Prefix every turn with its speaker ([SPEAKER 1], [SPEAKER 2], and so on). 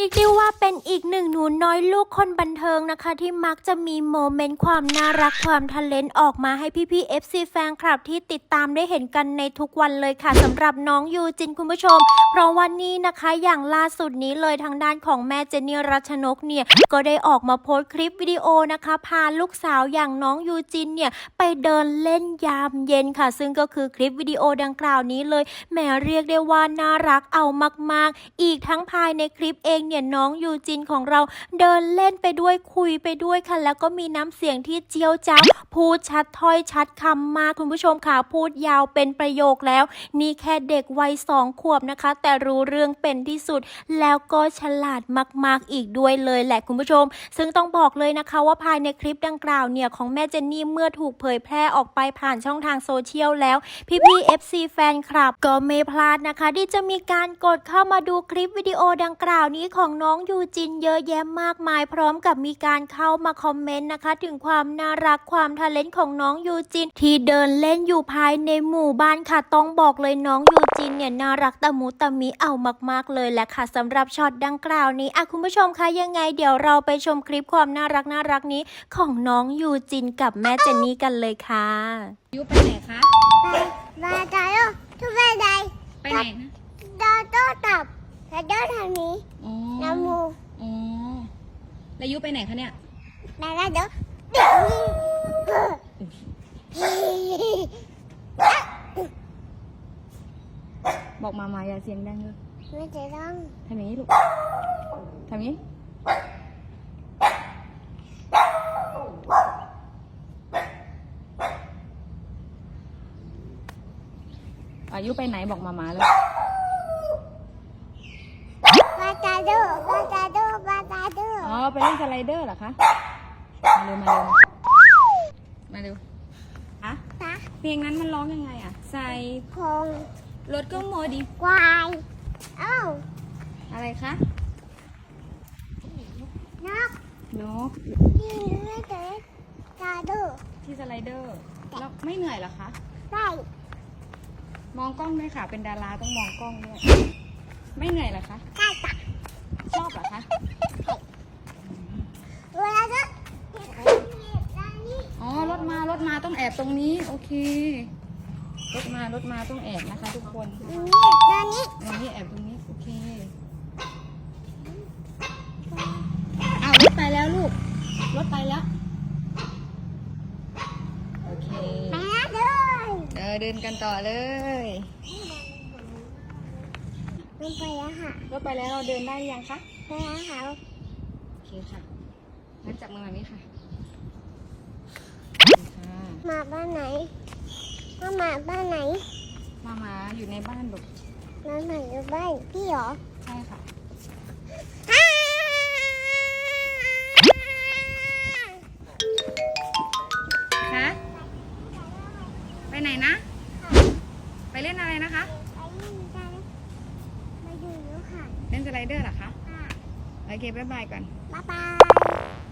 [SPEAKER 1] รียกได้ว่าเป็นอีกหนึ่งหนูน้อยลูกคนบันเทิงนะคะที่มักจะมีโมเมนต์ความน่ารักความทะเลนออกมาให้พี่ๆ FC แฟนคลับที่ติดตามได้เห็นกันในทุกวันเลยค่ะสำหรับน้องยูจินคุณผู้ชมเพราะวันนี้นะคะอย่างล่าสุดนี้เลยทางด้านของแม่เจนนี่รัชนกเนี่ยก็ได้ออกมาโพสต์คลิปวิดีโอนะคะพาลูกสาวอย่างน้องยูจินเนี่ยไปเดินเล่นยามเย็นค่ะซึ่งก็คือคลิปวิดีโอดังกล่าวนี้เลยแหมเรียกได้ว่าน่ารักเอามากๆอีกทั้งภายในคลิปเองเนี่ยน้องยูจินของเราเดินเล่นไปด้วยคุยไปด้วยค่ะแล้วก็มีน้ำเสียงที่เจียวจ้าวพูดชัดถ้อยชัดคำมากคุณผู้ชมค่ะพูดยาวเป็นประโยคแล้วนี่แค่เด็กวัย2 ขวบนะคะแต่รู้เรื่องเป็นที่สุดแล้วก็ฉลาดมากๆอีกด้วยเลยแหละคุณผู้ชมซึ่งต้องบอกเลยนะคะว่าภายในคลิปดังกล่าวเนี่ยของแม่เจนนี่เมื่อถูกเผยแพร่ออกไปผ่านช่องทางโซเชียลแล้วพี่ๆ FC แฟนคลับก็ไม่พลาดนะคะที่จะมีการกดเข้ามาดูคลิปวิดีโอดังกล่าวนี้ของน้องยูจินเยอะแยะมากมายพร้อมกับมีการเข้ามาคอมเมนต์นะคะถึงความน่ารักความทะเลนของน้องยูจินที่เดินเล่นอยู่ภายในหมู่บ้านค่ะต้องบอกเลยน้องยูจินเนี่ยน่ารักตะมุตะมิเอามากๆเลยแหละค่ะสำหรับช็อตดังกล่าวนี้คุณผู้ชมคะยังไงเดี๋ยวเราไปชมคลิปความน่ารักนี้ของน้องยูจินกับแม่เจนนี่กันเลยค่ะ
[SPEAKER 2] ยูไปไหนคะ
[SPEAKER 3] ไปตาโต้ทุกไปไหน
[SPEAKER 2] ไปไหนนะ
[SPEAKER 3] ตาโต้ตับตาโต้ทางนี้น้ำมู
[SPEAKER 2] อ๋อแล้วยูไปไหนคะเนี่ย
[SPEAKER 3] ตาโต้เดี๋ยวนี้
[SPEAKER 2] บอกมาอย่าเสียงดังเลย
[SPEAKER 3] ไม่จะต้อง
[SPEAKER 2] ทำอย่างนี้ลูกทำอย่างนี้อายุไปไหนบอกมาเลย
[SPEAKER 3] ปาตาโต้ปาตาโต้ปาตาโต้
[SPEAKER 2] อ๋อไปเล่นสไลเดอร์เหรอคะมาเร็วอะเพลงนั้นมันร้องยังไงอะใส่
[SPEAKER 3] คง
[SPEAKER 2] รถก็โมดิ
[SPEAKER 3] ควาย
[SPEAKER 2] อะไรคะ
[SPEAKER 3] นกที่ไม่เจอตาโต้
[SPEAKER 2] ที่สไลเดอร์แล้วไม่เหนื่อยเหรอคะ
[SPEAKER 3] ไม่
[SPEAKER 2] มองกล้องด้วยค่ะเป็นดาราต้องมองกล้องด้วยไม่เหนื่อยเหรอคะ
[SPEAKER 3] ใช่ค่ะ
[SPEAKER 2] ชอบเหรอคะ
[SPEAKER 3] เวลาจะ
[SPEAKER 2] อ๋อรถมาต้องแอบตรงนี้โอเครถมาต้องแอบนะคะทุกคนนี่แอบตรงนี้โอเคอ้าวรถไปแล้วลูกรถไปแล้วโอเคเดินกันต่อเลย
[SPEAKER 3] รถไปแล้วค่ะ
[SPEAKER 2] รถไปแล้วเราเดินได้ยังคะ
[SPEAKER 3] ไปแล้วค่ะ
[SPEAKER 2] โอเคค่ะงั้นจับมือแบบนี้ค่ะ
[SPEAKER 3] มาบ้านไหนมาบ้านไหน
[SPEAKER 2] มาอยู่ในบ้านลูก
[SPEAKER 3] มาอยู่บ้านพี่เหรอ
[SPEAKER 2] ใช่ค่ะคะไปไหนนะไปเล่นอะไรนะคะ
[SPEAKER 3] ไปดูค่ะ
[SPEAKER 2] เล่นสไลเดอร์เหรอคะโอเคบ๊ายบายก่อน
[SPEAKER 3] บ๊ายบาย